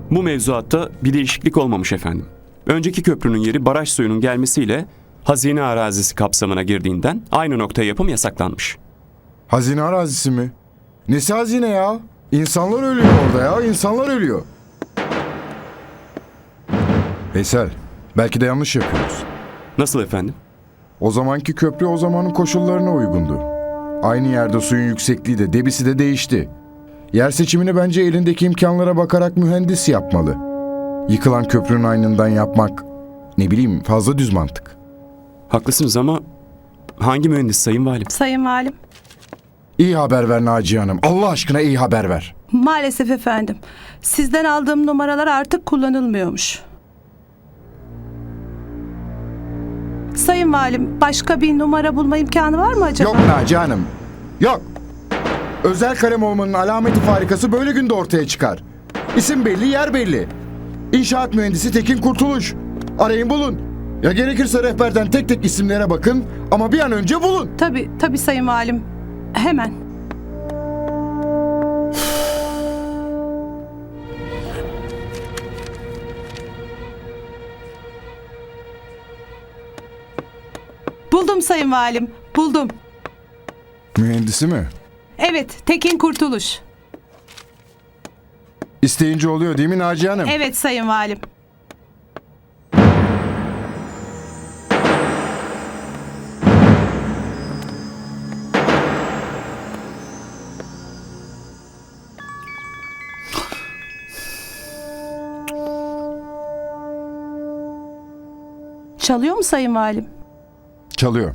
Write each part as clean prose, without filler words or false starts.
Bu mevzuatta bir değişiklik olmamış efendim. Önceki köprünün yeri baraj suyunun gelmesiyle hazine arazisi kapsamına girdiğinden aynı noktaya yapım yasaklanmış. Hazine arazisi mi? Nesi hazine ya? İnsanlar ölüyor orada ya. İnsanlar ölüyor. Veysel, belki de yanlış yapıyoruz. Nasıl efendim? O zamanki köprü o zamanın koşullarına uygundu. Aynı yerde suyun yüksekliği de debisi de değişti. Yer seçimini bence elindeki imkanlara bakarak mühendis yapmalı. Yıkılan köprünün aynından yapmak, ne bileyim, fazla düz mantık. Haklısınız ama hangi mühendis sayın valim? Sayın Valim. İyi haber ver Naciye Hanım. Allah aşkına iyi haber ver. Maalesef efendim. Sizden aldığım numaralar artık kullanılmıyormuş. Sayın Valim, başka bir numara bulma imkanı var mı acaba? Yok Naciye Hanım. Yok. Özel kalem olmanın alameti farikası böyle günde ortaya çıkar. İsim belli, yer belli. İnşaat mühendisi Tekin Kurtuluş. Arayın bulun. Ya gerekirse rehberden tek tek isimlere bakın ama bir an önce bulun. Tabii Sayın Valim. Hemen. Buldum Sayın Valim, buldum. Mühendisi mi? Evet, Tekin Kurtuluş. İsteyince oluyor değil mi Naciye Hanım? Evet Sayın Valim. Çalıyor mu Sayın Valim? Çalıyor.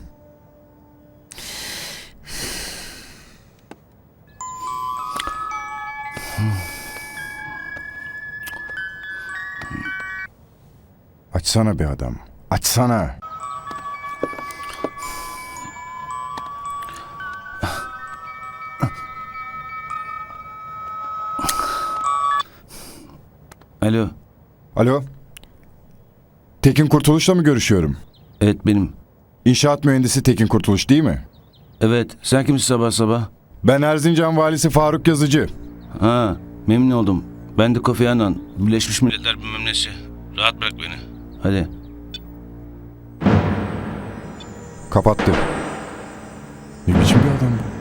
Açsana bir adam. Açsana. Alo. Alo. Tekin Kurtuluş'la mı görüşüyorum? Evet benim. İnşaat mühendisi Tekin Kurtuluş değil mi? Evet. Sen kimsin sabah sabah? Ben Erzincan valisi Faruk Yazıcı. Ha, memnun oldum. Ben de Kofi Annan. Birleşmiş Milletler bilmem nesi. Rahat bırak beni. Hadi. Kapattı. Ne biçim bir adam bu?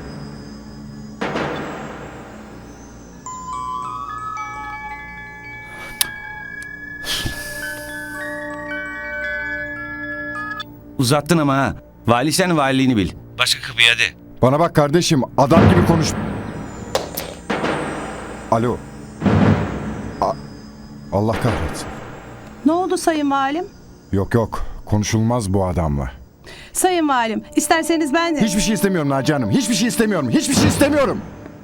Uzattın ama ha. Vali sen valiliğini bil. Başka kapıyı hadi. Bana bak kardeşim, adam gibi konuş. Alo. Allah kahretsin. Ne oldu Sayın Valim? Yok, konuşulmaz bu adamla. Sayın Valim, isterseniz ben de... Hiçbir şey istemiyorum Naciye Hanım. Hiçbir şey istemiyorum. Hiçbir şey istemiyorum.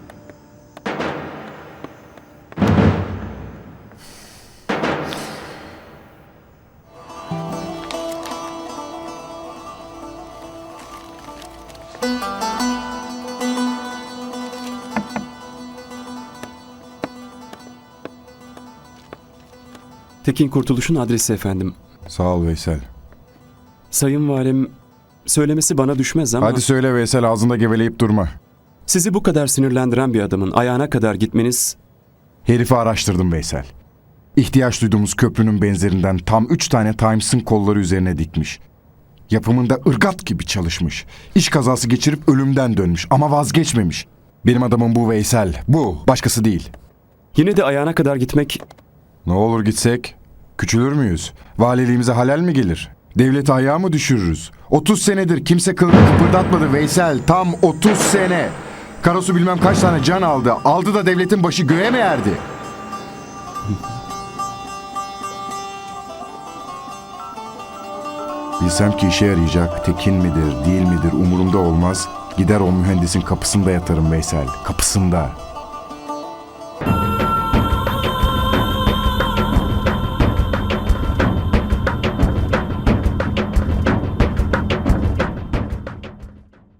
Tekin Kurtuluş'un adresi efendim. Sağ ol Veysel. Sayın valim, söylemesi bana düşmez ama Hadi söyle Veysel, ağzında geveleyip durma. sizi bu kadar sinirlendiren bir adamın ayağına kadar gitmeniz... Herifi araştırdım Veysel. İhtiyaç duyduğumuz köprünün benzerinden tam 3 tane Times'ın kolları üzerine dikmiş. Yapımında ırgat gibi çalışmış. İş kazası geçirip ölümden dönmüş ama vazgeçmemiş. Benim adamım bu Veysel. Bu. Başkası değil. Yine de ayağına kadar gitmek... Ne olur gitsek? Küçülür müyüz? Valiliğimize halel mi gelir? Devleti ayağa mı düşürürüz? 30 senedir kimse kılını kıpırdatmadı Veysel. Tam 30 sene. Karasu bilmem kaç tane can aldı. Aldı da devletin başı göğe mi erdi? Bilsem ki işe yarayacak, Tekin midir, değil midir umurumda olmaz. Gider o mühendisin kapısında yatarım Veysel, kapısında.